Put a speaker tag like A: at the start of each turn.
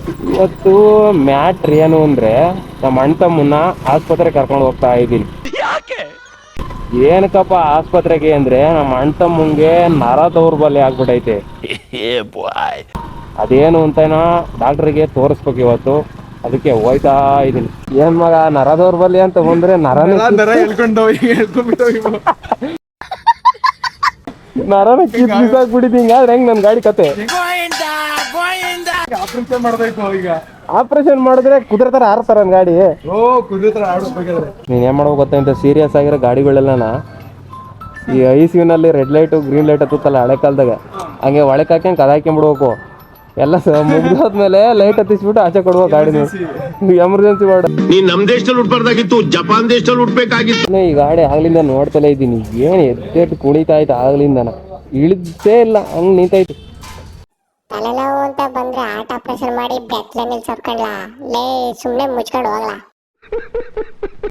A: ಇವತ್ತು ಮ್ಯಾಟ್ರ್ ಏನು ಅಂದ್ರೆ ನಮ್ಮ ಅಣ್ಣ ತಮ್ಮನ್ನ ಆಸ್ಪತ್ರೆಗೆ ಕರ್ಕೊಂಡು ಹೋಗ್ತಾ ಇದ್ದೀನಿ. ಏನಕ್ಕಪ್ಪ ಆಸ್ಪತ್ರೆಗೆ ಅಂದ್ರೆ ನಮ್ಮ ಅಣ್ಣ ತಮ್ಮಂಗೆ ನರ ದೌರ್ಬಲ್ಯ ಆಗ್ಬಿಟ್ಟೈತೆ. ಅದೇನು ಅಂತನೋ ಡಾಕ್ಟ್ರಿಗೆ ತೋರಿಸ್ಬೇಕು ಇವತ್ತು, ಅದಕ್ಕೆ ಹೋಯ್ತಾ ಇದೀನಿ. ಏನ್ ಮಗ ನರ ದೌರ್ಬಲ್ಯ ಅಂತ ಬಂದ್ರೆ ನರನೇ ನರನ ಕಿತ್ಬಿಸಾಕ್ಬಿಟ್ಟಿದ್ದಿ. ಹಿಂಗಾದ್ರೆ ಹೆಂಗ್ ನನ್ ಗಾಡಿ ಕತೆ?
B: ಆಪರೇಷನ್ ಮಾಡ್ಬೇಕು ಈಗ.
A: ಆಪರೇಷನ್ ಮಾಡಿದ್ರೆ ಕುದುರೆ ತರ ಆಡ್ತಾರ ನನ್ ಗಾಡಿ.
B: ಕುದುರೆ ತರ ಆಡ್ಬೇಕಾದ್ರೆ
A: ನೀನ್ ಏನ್ ಮಾಡ್ಬೇಕು ಗೊತ್ತಾ, ಇಂತ ಸೀರಿಯಸ್ ಆಗಿರೋ ಗಾಡಿಗಳೆಲ್ಲನ ಈ ಐಸಿಯುನಲ್ಲಿ ರೆಡ್ ಲೈಟ್ ಗ್ರೀನ್ ಲೈಟ್ ಹತ್ತಲ್ಲ ಹಳೆ ಕಾಲದಾಗ, ಹಂಗೆ ಒಳಕ್ ಹಾಕ್ಯಂಗ್ ಕದ ಹಾಕ್ಯಂಬಿಡ್ಬೇಕು. ಎಲ್ಲ ಮುಗ್ದಾದ್ಮೇಲೆ ಲೈಟ್ ಹತ್ತಿಸ್ಬಿಟ್ಟು ಆಚೆ ಕೊಡುವ ಗಾಡಿನ. Emergency ward.
C: ನೀನ್ ನಮ್ ದೇಶದಲ್ಲಿ ಹುಟ್ಬಾರ್ದಾಗಿತ್ತು, ಜಪಾನ್ ದೇಶದಲ್ಲಿ ಹುಟ್ಬೇಕಾಗಿತ್ತು.
A: ಈ ಗಾಡಿ ಆಗ್ಲಿಂದ ನೋಡ್ತಲೇ ಇದ್ದೀನಿ, ಏನ್ ಎದ್ದೆಟ್ಟು ಕುಣಿತಾ ಇತ್ತು ಆಗ್ಲಿಂದನ, ಇಳಿದೇ ಇಲ್ಲ, ಹಂಗ್ ನಿಂತೈತಿ.
D: ತಲೆನೋವು ಅಂತ ಬಂದ್ರೆ ಆರ್ಟ್ ಆಪರೇಷನ್ ಮಾಡಿ ಬೆತ್ತಲೆ ನಿಲ್ಸೋರ್ಕಂಡ್ಲಾ ಲೇ, ಸುಮ್ನೆ ಮುಚ್ಕೊಂಡು ಹೋಗ್ಲಾ.